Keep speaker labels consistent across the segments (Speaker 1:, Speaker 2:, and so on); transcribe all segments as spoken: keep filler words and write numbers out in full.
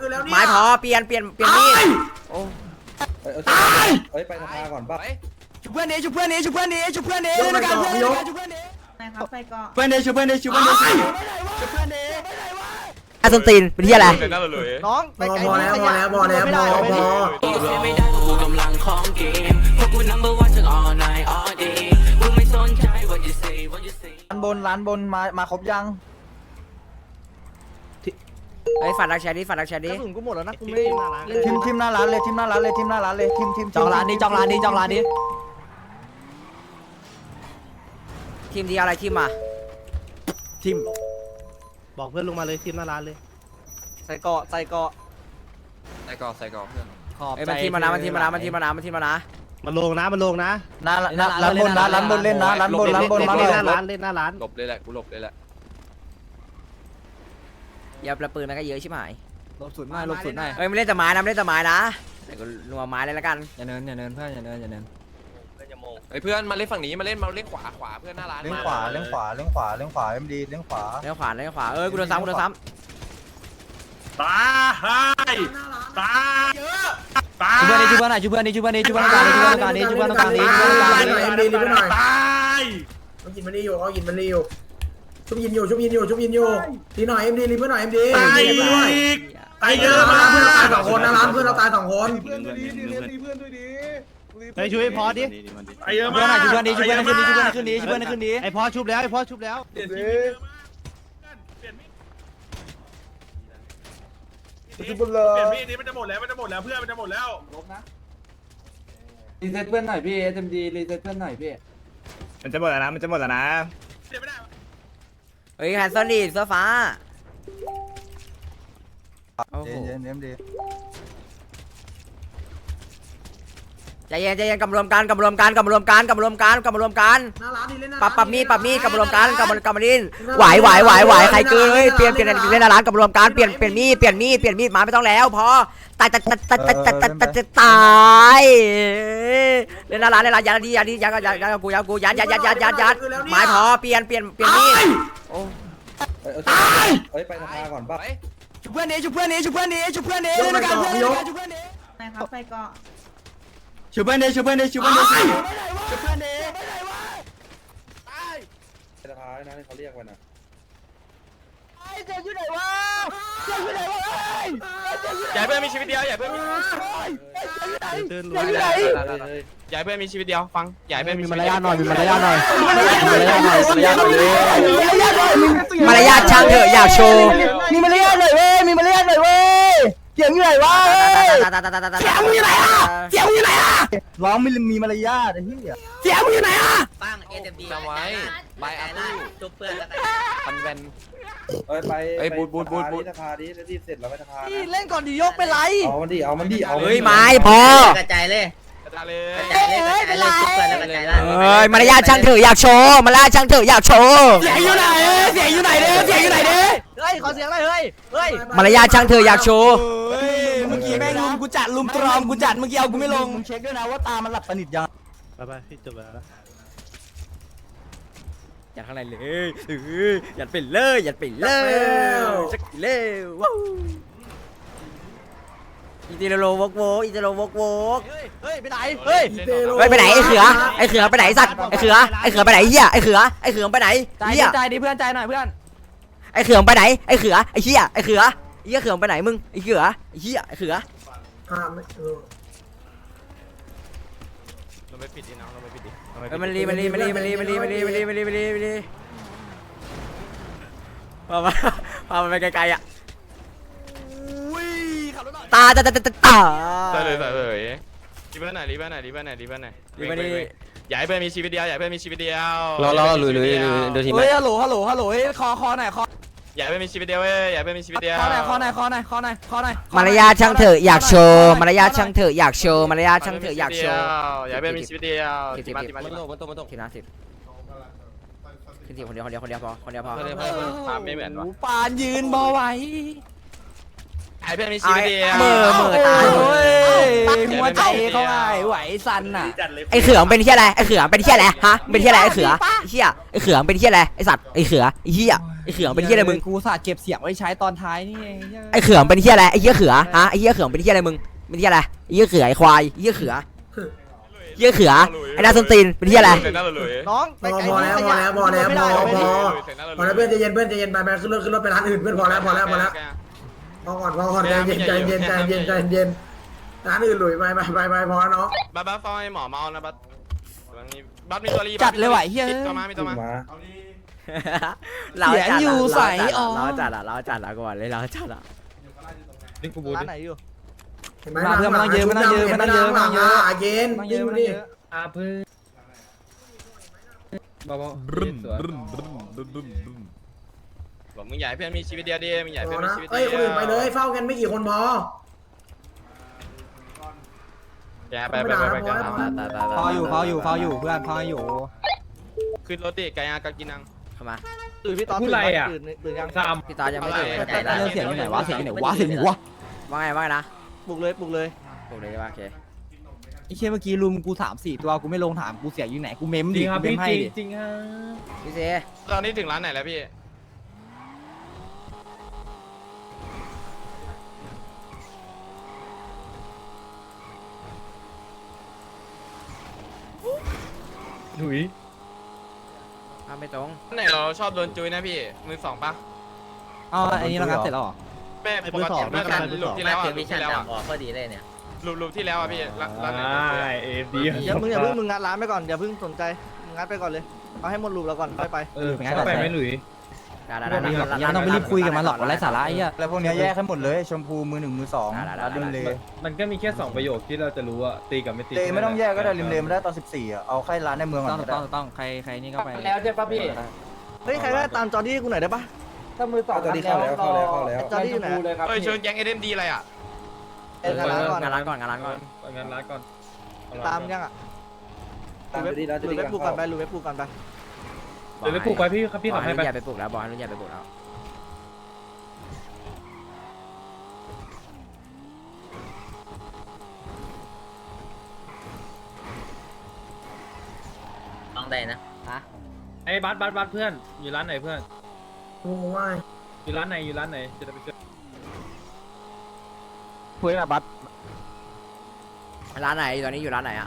Speaker 1: ไม้พอเปลี่ยนเปลี่ยนเปลี่ยนมีดโอ้
Speaker 2: เฮ้ยไปสภาก่อนป่ะ
Speaker 3: ชุบเพื่อนนี้ชุบเพื่อนนี้ชุบเพื่อนนี้ชุบเพื่อนนี้เล่นด้วยกันเพื่อนนี้ชุบเพื่อนนี้
Speaker 4: นะครับไปก่อน
Speaker 3: เพื่อนนี้ชุบเพื่อนนี้ชุบเพื่อนนี้ชุบเพื่อนนี้
Speaker 1: ไอ้ส้นตีนเป็นที่อะไร
Speaker 3: น้อง
Speaker 5: พอพอแล้วพอแล้วพอแล้วพอพอ
Speaker 6: ไม่ได้กูกำลังของเกมพวกกู number one ทั้ง all night all day กูไม่สนใจ what you say what you say
Speaker 3: ร้านบนร้านบนมามาครบยัง
Speaker 1: ไอ้ฝาดรักแชร์ดิฝาดรักแชร์ดิ
Speaker 3: กระสุนกูหมดแล้วนะกูไม่ทีมทีมหน้าร้านเลยทีมหน้าร้านเลยทีมหน้าร้านเลยทีมทีมจองร้านนี้จองร้านนี้จองร้านนี้
Speaker 1: ทีมดีอะไรทีมมา
Speaker 3: ทีม
Speaker 5: บอกเพื่อนลงมาเลยทีมหน้าร้านเลย
Speaker 3: ใส่เกาะใส่เกาะ
Speaker 2: ใส่กอใส่กอเพื่อน
Speaker 3: ขอบ
Speaker 1: ไอ้มันทีมมานะมันทีมมานะมันทีมมานะมันทีมมานะ
Speaker 5: มันลงนะมันลงนะ
Speaker 3: หน้าร้านบนนะร้านบนเล่นนะร้านบนร้านบนมาเลย
Speaker 5: หน้าร้านเล่นหน้าร้าน
Speaker 2: หลบเลยแหละกูหลบเลยแหละ
Speaker 1: อย่าประปืนนะก็เยอะชิบหาย
Speaker 3: ลบสุดหน่อยลบสุดหน่อย
Speaker 1: เอ้ยไม่เล่นแต่ไม้นะไม่เล่นแต่ไม้นะแต่ก็นัวไม้เลยละกัน
Speaker 3: อย่าเนินอย่าเนินเพื่อนอย่าเนินอย่าเนิน
Speaker 2: ไอ้เพื่อนมาเล่นฝั่งนี้มาเล่นมาเล่นขวาขวาเพื่อนหน้าร้าน
Speaker 3: เล่นขวาเล่นขวาเล่นขวาเล่นขวาเอ็มดีเล่นขวา
Speaker 1: เล่นขวาเล่นขวาเอ้ยกูโดนซ้ำกูโดนซ้ำ
Speaker 5: ตายตายเยอะตาย
Speaker 3: ชุบเพื่อนนี้ชุบเพื่อนไหนชุบเพื่อนนี้ชุบเพื่อนนี้ชุบเพื่อนตรงนี้ชุบเพื่อนตรงนี้ชุบเพื่อนตรงนี้ชุบเพื่อนตรงนี้
Speaker 5: เอ็มดีรีบไปหน่อยตาย
Speaker 7: เขากินมันนี่อยู่เขากินมันนี่อยู่ชุบยินอยู่ชุบยินอยู่ชุบยินอยู่ทีหน่อยเอ็มดีรีบไปหน่อยเอ็มดี
Speaker 5: ตายอีกตายเยอะมาก
Speaker 7: เพื่อนเราตายสองคนนะร้านเพื่อนเราตายสองคน
Speaker 5: เพื่อนด้วยดิเพื่อนด้วยดิไปช่วยพอดิไอ้เยอะ
Speaker 3: ชุบเพื่อนไหนชุบเพื่อนนี้ชุบเพื่อนขึ้นนี้ชุบเพื่อนขึ้นนี้ชุบเพื่อนขึ้นนี้
Speaker 5: ไอ้พอชุบแล้วไอ้พอชุบแล้วเปลี่ยนมีดเปลี่ยนมีดนี้มันจะหมดแล้วมันจะหมดแล้วเพื่อนมันจะหมดแล้วลบนะ
Speaker 3: รีเซ็ตเพื่อนหน่อยพี่เอ็มดีรีเซ็ตเพื่อนหน่อยพี่
Speaker 5: มันจะหมดแล้วนะมันจะหมดแล้วนะ
Speaker 1: เฮ้ยแฮนด์ซอนดีเสื้อฟ้าโอ้โห
Speaker 3: เย็นเย็นดี
Speaker 1: ใจเย็นใจเย็นกำรวมกันกำรวมกันกำรวมกันกำรวมกันกำรวมกันปรับปรับมีดปรับมีดกำรวมกันกำกำมินไหวไหวไหวไหวใครเกยเปลี่ยนเปลี่ยนเล่นร้านกำรวมกันเปลี่ยนเปลี่ยนมีดเปลี่ยนมีดเปลี่ยนมีดมาไม่ต้องแล้วพอตายตายตายตายตายตายตายตายเล่นร้านเล่นร้านยันดียันดียันยันยันกูยันกูยันยันยันยันยันยันไม้พอเปลี่ยนเปลี่ยนเปลี่ยนมีดโอ้
Speaker 2: เฮ้ยไปสภาก่อนป่ะ
Speaker 3: ชุบเพื่อนนี้ชุบเพื่อนนี้ชุบเพื่อนนี้ชุบเพื่อนนี้เล่นด้วยกันเพื่อนนี้ชุบเพื่อนนี้
Speaker 4: นะครับไปก่อน
Speaker 3: ชุบเพื่อนนี้ชุบเพื่อนนี้ชุบเพื่อนนี้ชุบเพื่อนนี้
Speaker 2: ตายสภานะที่เขาเรียกมันนะ
Speaker 3: ไอ้เจ๊อยู่ไหนวะเจ๊อยู่ไหนวะ
Speaker 2: ใหญ่เพื่อนมีชีวิตเดียวใหญ่เพื่อนมี
Speaker 3: เจ๊อยู่ไหน
Speaker 2: ใหญ่เพื่อนมีชีวิตเดียวฟังใหญ่เพื่อนมี
Speaker 3: มารยาทหน่อยมีมารยาทหน่อยมารยาทหน่อยมารยาทหน่อย
Speaker 1: มารยาทช่างเถอะอยากโชว์
Speaker 3: มีมารยาทหน่อยเว้ยมีมารยาทหน่อยเว้ยเสียงอยู่ไหนวะเสียงอยู่ไหนอ่ะเสียงอยู่ไหนอ่ะร้องไม่มีมารยาทไอ้เหี้ยเสียงอยู่ไหนอ่ะ
Speaker 6: ฟังเอเดมดี
Speaker 2: จำไว้ใบอาร์ตี้
Speaker 6: จุบเพื่อนแล้วกัน
Speaker 2: พันแวนเอ้ยไปไอ้บูดบูดบูดบูดสภาดิรีบเสร็จแล้วไปสภา
Speaker 3: เล่นก่อนดิยกเป็นไร
Speaker 2: เอามันดิเอามันดิเอา
Speaker 1: เฮ้ยไม้พอก
Speaker 6: ระจายเลย
Speaker 2: กระจายเลย
Speaker 6: กระจายเลยกระจายเลยจุบเพื่อนแล้วกระจายล่าง
Speaker 1: เฮ้ยมารยาทช่างเถอะอยากโชว์มารยาทช่างเถอะอยากโชว์
Speaker 3: เสียงอยู่ไหนเสียงอยู่ไหนเด้เสียงอยู่ไหนเด้เฮ้ยขอเสียงหน่อยเฮ้ยเฮ้ย
Speaker 1: มารยาทช่างเถอะอยากโชว์
Speaker 3: เฮ้ยเมื่อกี้แม่งลุมกูจัดลุมตรอมกูจัดเมื่อกี้เอากูไม่ลงมึงเช็คด้วยนะว่าตามันหลับสนิทยัง
Speaker 5: ไปไปพี่จบแล้ว
Speaker 1: ยัดข้างในเลยยัดไปเลยยัดไปเลยสักเร็วว้าวอีเตโลวกวกอีเตโลวกวก
Speaker 3: เฮ้ยไปไหนเฮ้ย
Speaker 1: เฮ้ยไปไหนไอ้เขือไอ้เขือไปไหนสัตว์ไอ้เขือไอ้เขือไปไหนเหี้ยไอ้เขือไอ้เขือไปไหน
Speaker 3: เหี้ยใจดิเพื่อนใจหน่อยเพื่อน
Speaker 1: ไอ้เขือไปไหนไอ้เขือไอ้เหี้ยไอ้เขือไอ้เหี้ยเขือไปไหนมึงไอ้เขือไอ้เหี้ยไอ้เขือ
Speaker 2: เราไม่ปิดดิน้องเราไม่ปิดดิ
Speaker 1: เฮ้ยมันรีมันรีมันรีมันรีมันรีมันรีมันรีมันรีมันรีมันรีพามาพามันไปไกลๆอ่ะตาตาตาตาตา
Speaker 2: ใส่เลยใส่เลยรีบไปไหนรีบไปไหนรีบไปไหนรีบไปไหนรีบไปไหนใหญ่เพื่อนมีชีวิตเดียวใหญ่เพื่อนมีชีวิตเดียว
Speaker 3: รอรอลุยลุยดูทีมเฮ้ยฮัลโหลฮัลโหลฮัลโหลเฮ้ยคอคอไหนคอ
Speaker 2: ใหญ่เพื่อนมีชีวิตเดียวเว้ยใหญ่เพื่อนมีชีวิตเดียว
Speaker 3: คอไหนคอไหนคอไหนคอไหนคอไหน
Speaker 1: มารยาทช่างเถอะอยากโชว์มารยาทช่างเถอะอยากโชว์มารยาทช่างเถอะอยากโชว์
Speaker 2: ใหญ่เพื่อนมีชีวิตเดียว
Speaker 1: สิบสิบมันโตมันโตมันโตทีนะสิบขึ้นทีคนเดียวคนเดียวคนเดียวพอคนเดียวพอ
Speaker 2: ภาพไม่เหมือนวะ
Speaker 3: ปานยืนบ่ไหว
Speaker 2: ไอ้เพื่อนมีชีวิตเดียว
Speaker 1: เมื่อเมื่อตาย
Speaker 3: หัวใจเขาไงไหวสั่นน่ะ
Speaker 1: ไอ้เขือเป็นเหี้ยอะไรไอ้เขือเป็นเหี้ยอะไรฮะเป็นเหี้ยอะไรไอ้เขือเหี้ยไอ้เขือเป็นเหี้ยอะไรไอ้สัตว์ไอ้เขือไอ้เหี้ยไไอ้เขืองเป็นเหี้ยอะไรมึง
Speaker 3: กูสาดเก็บเสียงไว้ใช้ตอนท้ายนี่เอง
Speaker 1: ไอ้เขืองเป็นเหี้ยอะไรไอ้เหี้ยเขือฮะไอ้เหี้ยเขืองเป็นเหี้ยอะไรมึงเป็นเหี้ยอะไรไอ้เหี้ยเขือไอ้ควายไอ้เหี้ยเขือเหี้ยเขือไอ้นาสนตีนเป็นเหี้ยอะไร
Speaker 2: เสร็จแล้วเลย
Speaker 3: น้อง
Speaker 7: พอพอแล้วพอแล้วพอแล้วพอพอพอแล้วเพื่อนใจเย็นเพื่อนใจเย็นไปไปขึ้นรถขึ้นรถไปร้านอื่นเพื่อนพอแล้วพอแล้วพอแล้วพอก่อนพอก่อนใจเย็นใจเย็นใจเย็นใจเย็นร้านอื่นหลุยไปไปไปไปพอแล้วเนาะ
Speaker 2: บัสบัสฟังไอ้หมอเมานะบัสบัสมีตัวรี
Speaker 3: จัดเลยว่ะเฮีย
Speaker 2: ตัวมามีตัวมา
Speaker 1: เรา
Speaker 3: เสียง
Speaker 1: จัด
Speaker 3: อยู่
Speaker 1: อะ
Speaker 3: ใสอ๋อ
Speaker 1: เราจัดอะเราจัดอะก่อนเลยเราจัดอะ
Speaker 3: ร้านไหนอยู่
Speaker 7: เห็นไหม
Speaker 3: มาเพื่อนมันต้องเยอะมันต้องเยอะมันต้องเยอะมันต้องเยอะ
Speaker 7: เย็น
Speaker 3: มันเย
Speaker 7: ยิ
Speaker 3: อะ
Speaker 7: ง
Speaker 3: มัน
Speaker 7: ดิ
Speaker 3: เยอะ
Speaker 5: อาเพื่อนเบาๆสวย
Speaker 2: บอกมึงใหญ่เพื่อนมีชีวิตเดียวดิมึงใหญ่
Speaker 7: พ
Speaker 2: เพื่อ
Speaker 7: อน
Speaker 2: มี
Speaker 7: นะ
Speaker 2: ชีวิตเดี
Speaker 7: เอ้ยคนอื่นไปเลยเฝ้ากันไม่กี่คนพอ
Speaker 2: อย่าไปไปไปไปกัน
Speaker 3: พออยู่พออยู่พออยู่เพื่อนพออยู่
Speaker 2: ขึ้นรถดิไก่ยากากินัง
Speaker 1: เข้ามา
Speaker 3: ตื่นพี่ตอน
Speaker 5: พูดอะไรอ่ะ
Speaker 3: ตื่นตื่นยัง
Speaker 5: สาม
Speaker 1: พี่ตอนยังไม่ตื่นใจได้
Speaker 3: เสียงอยู่ไหนวะเสียงอยู่ไหนวะเสียงอยู่ไหนวะ
Speaker 1: ว่าไงว่าไงนะ
Speaker 3: ปลุกเลยปลุกเลย
Speaker 1: ปลุกเลยใช่ปะโอเค
Speaker 3: ไอ้เชี่ยเมื่อกี้ลุมกูสามสี่ตัวกูไม่ลงถามกูเสียอยู่ไหนกูเมม
Speaker 5: จ
Speaker 3: ดิ
Speaker 5: ริงครับ
Speaker 3: กูเม
Speaker 5: พี่
Speaker 3: มให้
Speaker 5: จริง
Speaker 3: ดิ
Speaker 5: จริงฮะ
Speaker 1: พี่เซ
Speaker 2: ตอนนี้ถึงร้านไหนแล้วพี่
Speaker 5: หลุย
Speaker 1: เอาไม่ตรง
Speaker 2: ไหนเราชอบโดนจุยนะพี่มือสองปะ
Speaker 3: อ๋ออันนี้เรางัดเสร็จแล้วเหรอ
Speaker 2: แม่ปกติเมื่อกันลูกที่แล้วอ่ะลูกที่แล้วอ่ะ
Speaker 8: พอดีเลยเนี่ย
Speaker 2: ลูกลูกที่แล้วอ่ะพี่ร้านไหน
Speaker 5: เอฟดี
Speaker 3: อย่ามึงอย่าเพิ่งมึงงัดร้านไปก่อนอย่าเพิ่งสนใจมึงงัดไปก่อนเลยเอาให้หมดรูปแล้วก่อนค่อยไป
Speaker 5: เออเข้าไปไหม่หลุย
Speaker 1: ได้ได้
Speaker 3: ยัง
Speaker 1: ได้ได้
Speaker 3: ต้องไปรีบคุยกับมันหรอกไร้สาระไอ้เหี้ยแล้วพวกนี้แยกให้หมดเลยชมพูมือหนึ่งมือสองริมเล
Speaker 5: มันก็มีแค่สองประโยคที่เราจะรู้อะตีกับไม่ตี
Speaker 3: เลไม่ต้องแยกก็ได้ริมเลไม่ได้ตอนสิบสี่อ่ะเอาแค่ร้านในเมืองก่อน
Speaker 8: ต้องต้องใครใครนี่ก็ไป
Speaker 5: แล้วใช่ปะพี่
Speaker 3: เฮ้ยใครได้ตามจอดี้กูหน่อยได้ปะ
Speaker 5: ถ้ามือสอง
Speaker 3: จอดี้เข้าแล้วเข้าแล้วเข้าแล้วจอดี้อยู่ไหน
Speaker 2: เอ้ยเชิญแก๊งเอเดนดีอะไรอ่ะ
Speaker 3: เอ็นร้านก่อน
Speaker 1: งานร้านก่อนงานร้านก่อน
Speaker 5: งานร้านก่อน
Speaker 3: ตามยังอ่ะตามจอดี้แล้วจอดี้เว็บปูกันไปรูเว็บปูกันไป
Speaker 5: เดี๋ยวไปปลูกไปพี่ครับพี่
Speaker 1: บอ
Speaker 5: ขั
Speaker 1: ก
Speaker 5: บ
Speaker 1: ให้
Speaker 5: ให้
Speaker 1: รุ่น
Speaker 5: ไป
Speaker 1: ใหญ่ไปปลุกแล้วบอกให้รุ่นใหญ่ไปปลุกแล้ว
Speaker 8: ต้องได้นะ
Speaker 5: ไอ้บัสบัสบัสเพื่อนอยู่ร้านไหนเพื่อน
Speaker 7: โอ้ว่า
Speaker 5: อยู่ร้านไหนอยู่ร้านไหนจะได้ไปเจอ
Speaker 3: คุยกับบัส
Speaker 1: ร้านไหนตอนนี้อยู่ร้านไหนอะ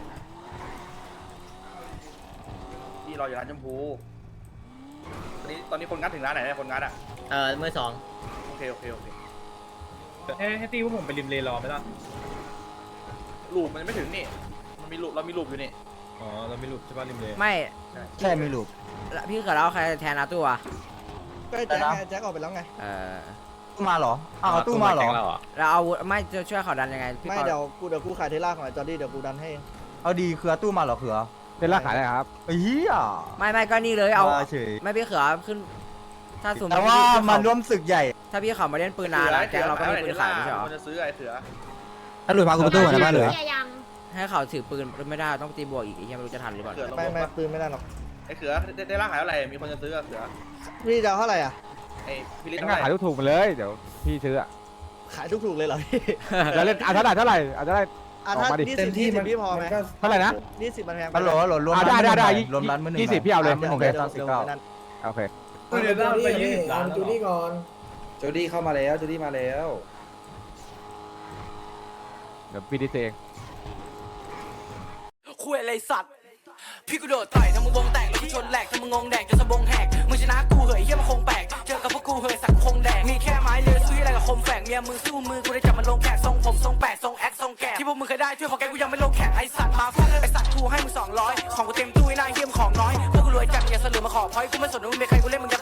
Speaker 3: ที่รออยู่ร้านชมพูตอนนี้ตอนนี้คนงัดถึงร้านไหนเนี่ยคนงัดอ่ะ
Speaker 8: เออมือสอง
Speaker 3: โอเคโอเคโอเค
Speaker 5: ให้ให้ตีพวกผมไปริมเลรอไหมล่ะ
Speaker 3: ลูปมันไม่ถึงนี่มันมีลูปเรามีลูปอยู่นี่
Speaker 5: อ๋อเราไม่หลุดใช่ป่ะริมเล
Speaker 1: ไม่
Speaker 3: ใช่มีลูป
Speaker 1: แล้วพี่เกิดแล้วใครแทนอาตู้อะ
Speaker 3: ก็แจ็คไงแจ็คออกไปแล้วไง
Speaker 1: เออ
Speaker 3: ตู้มาเหรออ้าวตู้มาเหรอ
Speaker 1: แล้วเอาไม่จะช่วยเขาดันยังไงพี่
Speaker 3: ไม่
Speaker 1: ปอ
Speaker 3: เดี๋ยวกูเดี๋ยวกูขายเทล่าของไอ้จอดี้เดี๋ยวกูดันให้เอาดีคือตู้มาเหรอเขือเทล่าขายอะไรครับเฮีย
Speaker 1: ไม่ไม่ก็นี่เลยเอา
Speaker 3: เฉย
Speaker 1: ไม่พี่เขือขึ้น ถ้าสมม
Speaker 3: แต่
Speaker 1: ติ
Speaker 3: ว่า
Speaker 1: พี่
Speaker 3: มันร่วมศึกใหญ่
Speaker 1: ถ้าพี่เขามาเล่นปืนนานแล้วแกเราก็มีปืนขายไม่ใช่เหรอ
Speaker 3: มันจะซื้อไอ้เขือถ้าหลุยพากูประตูนะบ้านหลุย
Speaker 1: ให้เขาถือปืนไม่ได้ต้องตีบวกอีกไอ้เหี้ยไม่รู้จะทันหรือเปล่า
Speaker 3: ไม่ไม่ปืนไม่ได้หรอก
Speaker 9: ไอ้เขือได้ได้ร่างขายเท่าไหร่มีคนจะซื้ออะเขือ
Speaker 3: พี่จะเอาเท่าไหร่อ่ะ
Speaker 9: ไอ้พิลิต
Speaker 10: งั้นขายถูกๆมาเลยเดี๋ยวพี่ซื้ออ่ะ
Speaker 3: ขายถูกๆเลยเหรอพี่
Speaker 10: แล้วเล่นอ่ะเท่าไหร่เท่าไหร่อ่ะเท่าไหร่
Speaker 3: อ่ะถ้า
Speaker 10: ออกมาดิ
Speaker 3: นี่สิบที่สิบพี่พอไหม
Speaker 10: เท่าไหร่นะ
Speaker 3: นี่สิบมันแพง
Speaker 9: ฮัลโหลฮัลโหลรวม
Speaker 10: อ่ะได้ได้ได้
Speaker 3: รวมร้านมือหนึ่ง
Speaker 10: ยี่สิบพี่เอาเลย
Speaker 3: โอเคตอนสิบเก้า
Speaker 10: โอเค
Speaker 7: เอาจูดี้นี่เอาจูดี้ก่อน
Speaker 9: จูดี้เข้ามาแล้วจูดี้มาแล้ว
Speaker 10: เดี๋ยวพี่ดิเซเอง
Speaker 6: คุยอะไรสัตว์ พี่กูโดดต่อยทำมึงวงแตกแล้วกูชนแหลกทำมึงงงแดกจนสะบงแหกมึงชนะกูเหยเฮียมันคงแปลกเจอกับพวกกูเหยสักคงแดกมีแค่ไม้เลือซื้ออะไรกับคมแฝกเมียมึงสู้มือกูได้จับมันลงแขกทรงผมทรงแปดทรงแอคทรงแกะที่พวกมึงเคยได้ช่วยพอแกกูยังไม่ลงแขกไอสัตว์มาฟังไอสัตว์กูให้มึงสองร้อยของกูเต็มตู้ไอ้นายเฮียมของน้อยพวกกูรวยจัดอย่าเสลือมาขอพอยกูไม่สนว่ามึงเป็นใครกูเล่นมึงจะ